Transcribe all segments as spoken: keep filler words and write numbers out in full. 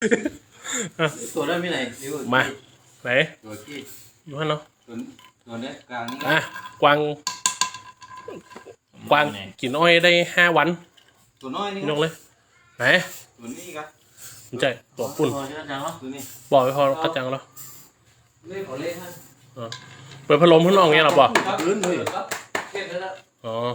ตัวนั้นไม่ไหนมาไหนตัวกี้อยู่ฮั่นเนาะตัวตัวนี้กลางนี่อ่ะกวางกวางกินอ้อยได้ห้าวันตัวน้อยนี่ยกเลยไหนตัวนี้ครับมันใจตัวปุ่นบอกไปพอกระจังแล้วเล่ขอเล่ท่านเปิดพัดลมข้างนอกเงี้ยหรอป่ะพื้นเลยอ๋อ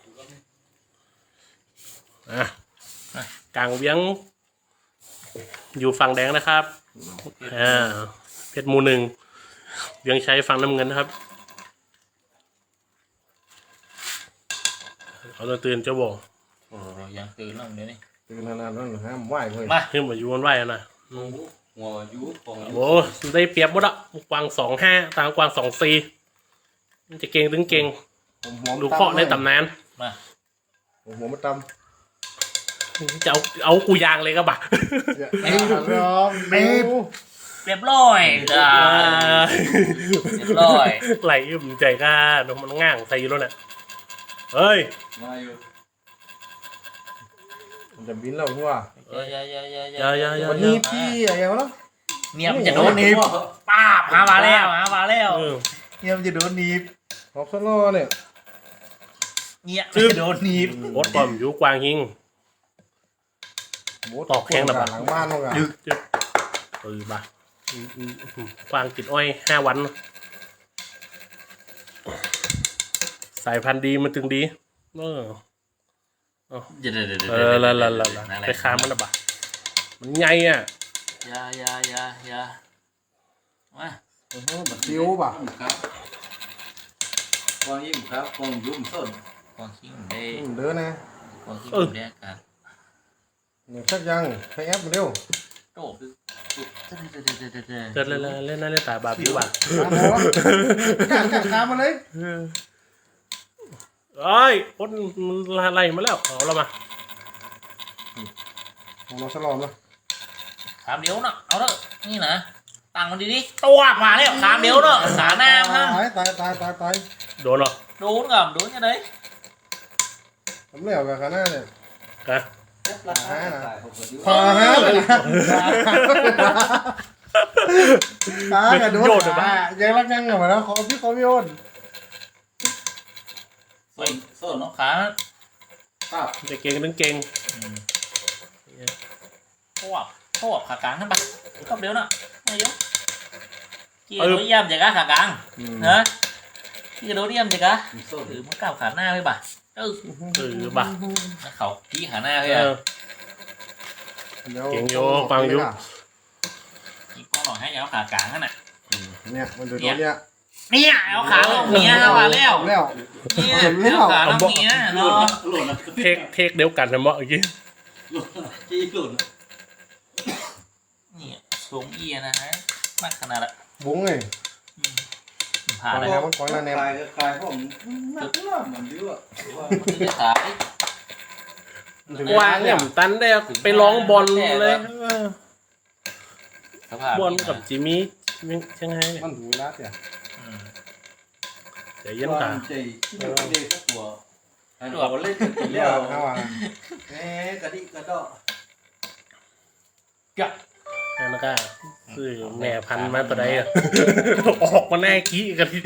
อ่ะกลางเวียงอยู่ฝั่งแดงนะครับอ่าเพชรมูหนึ่งเวียงใช้ฝั่งน้ำเงินนะครับเขาจะตื่นเจ้าบอกโอ้ยังตื่นแล้วเดี๋ยวนี้ตื่นนานๆนั่นห้ามไหวเลยมาขึ้นมาอยู่บนไหวนะหัวยุของโอ้ได้เปรียบหมดอ่ะกวางสองห้าตางกวางสองสี่มันจะเก่งถึงเก่งดูเคาะในตำนานมาหัวมันตำจะเอาเอากูยางเลยก็บ่ะเอ้ยร้องเร็วเรียบร้อยจ้าเรียบร้อยไหลอึมใจก้ามันง่างใส่อยู่แล้วเนี่ยเฮ้ยมาอยู่มันจะบินแล้วหัวอย่าอย่าอย่าอย่าอย่าอย่าวันนี้พี่อะไรวะเนี่ยมันจะโดนหนีบป้าบหามาแล้วหามาแล้วเนี่ยมันจะโดนหนีบขอบสโลเนี่ยเนี่ยมันจะโดนหนีบโคตรปอมอยู่กวางหิงตอกแข้งหลังบ้านเลยยึกยึกเออบ่ะกวางกินอ้อยห้าวันสายพันธุ์ดีมันถึงดีเออเออละละละละไปค้ามันละบ่ะมันใหญ่อ่ะยายายายามาโอ้โหแบบซิวป่ะครับกองยิ้มครับกองยุ่มส้นกองขิงเด้เด้อนะกองขิงเด้กันเนี่ยชักยังให้แอปเร็วโต้เดินเล่นเล่นนั่นเล่นตาบาบิวบ่ะกัดกัดขามาเลยเอ้ยพ้นมันไล่มาแล้วเอาเรามาของเราสลอมนะขามเดียวเนาะเอาเถอะนี่นะตั้งมันดีๆตัวมาแล้วขามเดียวเนาะสาหน้าฮะตายตายตายตายตายโดนเหรอโดนกับโดนยังไงทำเลี้ยวกับขาหน้าเนี่ยกะฮะพอฮะเลยนะตายกับโดนบ้ายังรักยังเหรอแล้วขอพี่ขอพี่โอนส้นส้นเนาะขาครับจะเก่งนึงเก่งพวกพวกขากลางขึ้นไปก็เดี๋ยวนะไม่เยอะกี่โดนย่ำจากขากลางนะกี่โดนย่ำจากหรือมันก้าวขาหน้าไปบ่ะเออเออบ่ะเขากี่ขาหน้าไปอ่ะเก่งโยฟังโยกี่ก้อนหน่อยให้เอาขากลางนั่นน่ะเนี่ยมันดูเนี่ยเนี่ยเอาขาลงเนี้ยมาแล้วแล้วเนี่ยเอาขาลงเนี้ยเนาะเทคเทคเดียวกันนะเมื่อกี้จี้หล่นเนี่ยสูงเอียนะฮะมากขนาดละบุ้งไงผ่านแล้วมันก้อนละแนวคลายคลายผมนักล่าเหมือนดิ้วอ่ะมันจะขายกวางเนี่ยตันได้ไปร้องบอลเลยบอลกับจิมี่ยังไงเนี่ยมันดูรัดเนี่ยใจเย็นตาใจที่เด็กสักตัวอันนี้เราเล่นกันกี่แล้วแหมกระดิกระดอกกะนั่นก็คือแม่พันมาตัวใดอ่ะออกมาแน่กี้กันที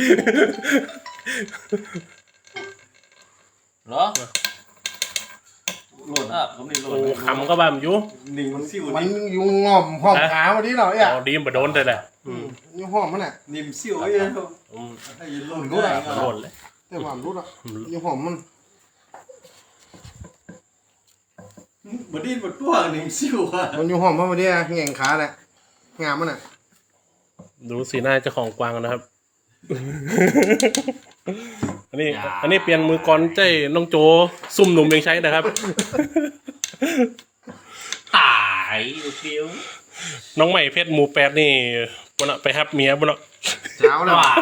เหรอหล่นอ่ะผมนี่หล่นคำก็แบบอยู่นิ่งมันซิ่วมันยุ่งงอมหอมขาวันนี้เหรอเนี่ยดีมไปโดนเลยแหละยุ่งหอมมันแหละนิ่มซิ่วไอ้เนี่ยให้หล่นก็ได้หล่นเลยแต่หวานรู้ละยุ่งหอมมันบดดี้บดตัวนิ่มซิ่วอ่ะมันยุ่งหอมเพราะวันนี้แง่งขาแหละงามมันอ่ะดูสีหน้าเจ้าของกวางนะครับอันนี้อันนี้เปลี่ยนมือกรใจน้องโจซุ่มหนุ่มยังใช้นะครับตายฟิวน้องใหม่เพชรหมูแปดนี่บนไปฮับเมียบนเช้าเลยว่ะ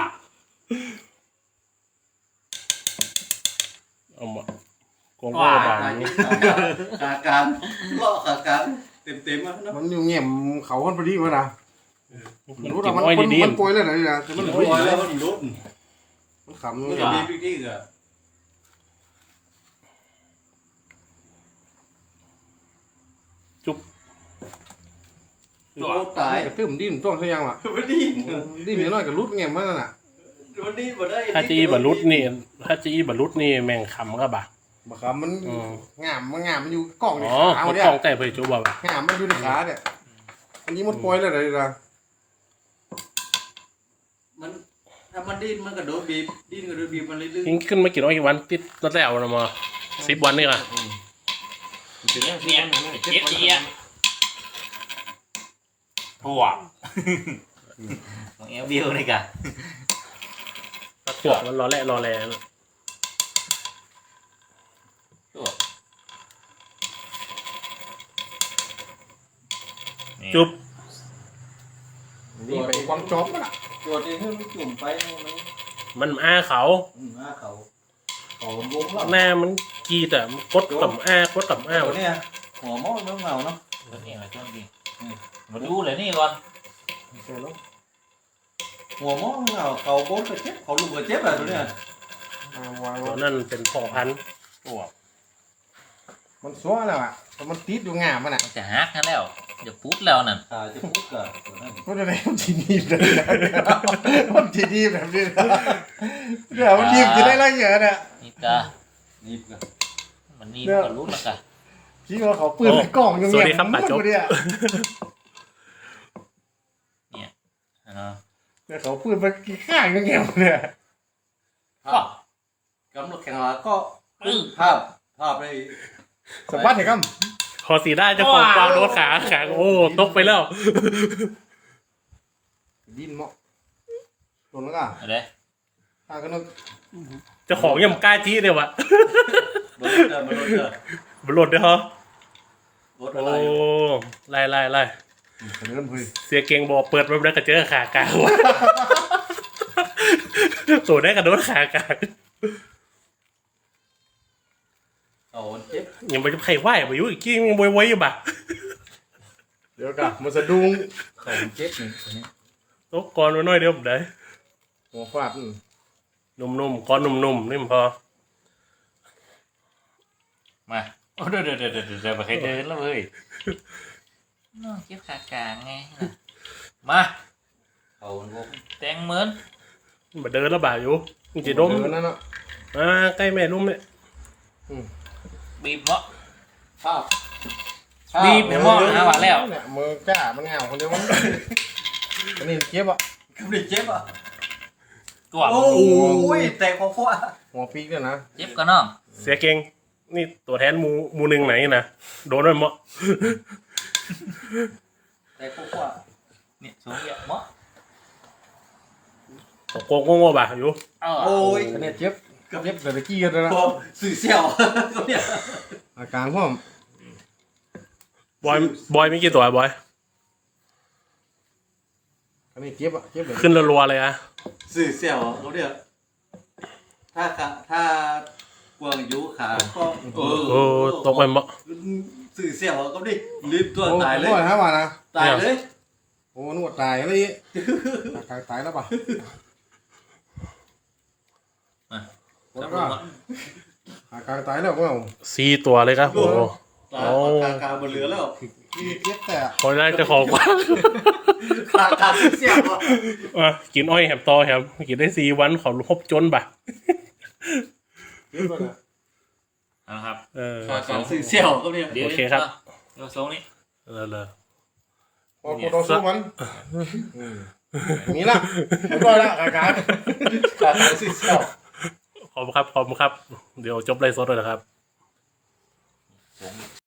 เอามากงก็บางขาการล่อขาการเต็มเต็มอ่ะมันอยู่เงี่ยมเขาคนพอดีมั้ยนะมันรู้แต่มันมันป่วยเลยนะนี่นะมันป่วยแล้วมันรุดมันขำมันจะมีปิ๊กนิกอ่ะจุ๊บโอ้ตายกระตื้มดิ้นต้องซะยังว่ะวันนี้ดิ้นนิดหน่อยก็รุดแง่มันนั่นน่ะวันนี้บ่ได้ถ้าจีบรรลุนี่ถ้าจีบรรลุนี่แม่งคำก็บ่าบ่ครับมันอืมงามมันงามมันอยู่กล้องในอ๋อขาเขาเนี่ยกล้องแต่เผยจูบ่าวะงามมันอยู่ในขาเนี่ยอันนี้มันปล่อยแล้วเลยล่ะมันถ้ามันดิ้นมันก็โดนบีบดิ้นก็โดนบีบมันเรื่อยยิงขึ้นมากี่ร้อยกี่วันติดตั้งแต่เอาละมาสิบวันนี่ค่ะเนี่ยเจ็บดีอ่ะทั่วของเอลวิวนี่กะหัวมันรอแร่รอแร่ทั่วจุ๊บนี่ไปวางจอบมันอ่ะๆตัวจเองมันจุ่มไปมันมันอ้าเขาอืมหน้าเขาเขาวงแล้วหน้ามันกีแต่มันกดกับอ้ากดกับอ้าตัวเนี่ยหัวมอมันเงาเนาะตัวนี้มาช่วงนี้มาดูเลยนี่ก่อนหัวมอมันเงาเขาโบนก็เจ็บเขาลูกก็เจ็บอะตัวเนี่ยอ่าวางตัวนั่นเป็นพ่อพันธุ์ทั่วมันซัวแล้วอ่ะแต่มันติดอยู่งามมันอ่ะมันจะฮักกันแล้วอย่าปุ๊ดแล้วนั่นขาจะพุกอะตัวนั้นมันจะได้มันทีนีบเลยนะมันทีนีบแบบนี้นะเดี๋ยวมันทีบจะได้ไรเงี้ยเนี่ยนี่กะนี่ก็มันนี่ก็รู้แล้วกะคิดว่าเขาปืนในกล่องยังสวัสไงดีครับป่าโจ๊กเนี่ยอ่าแต่เขาปืนไปกี่ข้างยังไงเนี่ยก็กำลังแข่งละก็ปึ้งภาพภาพได้สวัสดีครับพอสีได้เจะของกวางโดนขาขาโอ้ตกไปแล้วดินเหมาะโดนแล้วก็อะไรตาก็นึกเจ้าของยังกล้าจี้เลยวะรถเจอมันรถเจอบหลดด้วยเหรอรถอะโอ้ไรไล่ไล่ไล่เริ่มคุยเสียเก่งบอกเปิดมาแล้วก็เจอขากลางวะตัวได้กระโดดขากลางเอาเจ็บยังไม่จะใครไหวไปยุ่งอีกกี้ยังไว้ไว้อยู่บ่ะเดี๋ยวกันมันสะดุ้งเขาเจ็บนี่ตัวนี้ตกก่อนมาหน่อยเดียวผมได้หัวฟาดนุ่มๆก้อนนุ่มๆนี่มันพอมาโอ้เดี๋ยวเดี๋ยวเดี๋ยวเดี๋ยวเดี๋ยวมาใครเดินแล้วเว้ยน้องเก็บขากลางไงน่ะมาเขาวงแตงเหมือนมาเดินแล้วบ่าอยู่มึงจะดมเดินนั่นเนาะอ่าใกล้แม่นุ่มเนี่ยบีบเนาะภาพบีบ เดี๋ยวมองหาว่าแล้วเนี่ยมือกล้ามันเหงาคนเดียวมันอันนี้เจ็บอ่ะกำลังเจ็บอ่ะตัวโอ้ยแต่ของพวกหัวปีกเนี่ยนะเจ็บกันน้องเสียเก่งนี่ตัวแทนหมูหมูหนึ่งไหนนะโดนด้วยมั้งแต่ของพวกเนี่ยสูงเยอะมั้งตกโกงโง่ๆบ่าอยู่เออโอ้ยอันนี้เจ็บเจ็บแต่ตะกี้กันแล้วนะพอสื่อเสี่ยวก็เนี่ยอาการพ่อมบอยบอยมีกี่ตัวบอยอันนี้เจ็บอ่ะเจ็บเลยขึ้นรัวๆเลยอะสื่อเสี่ยวเขาเนี่ยถ้าขาถ้ากวางยูขาก็เออโอ้ตกไปมั้งสื่อเสี่ยวก็ดิรีบตัวตายเลยโอ้ยฮะว่านะตายเลยโอ้นวดตายเลยตายตายแล้วป่ะแล้วก็อาการตายแล้วก็เอาสี่ตัวเลยครับโอ้ตายขาขาบนเรือแล้วที่เจ็บแต่คนแรกเจะของกวางขาขาสื่อเสี่ยวอ่ะอ่ะกินอ้อยแหมตอแหมกินได้สี่วันขอพบจนบ่ะเจ็บเลยนะครับเออขาขาสื่อเสี่ยวก็เนี่ยเดี๋ยวโอเคครับเดี๋ยวทรงนี้เออเลยพอกูต่อสู้มันมีละไม่ก็ละอาการขาขาสื่อเสี่ยวขอบคุณครับขอบคุณครับ เดี๋ยวจบไลฟ์สดเลยนะครับ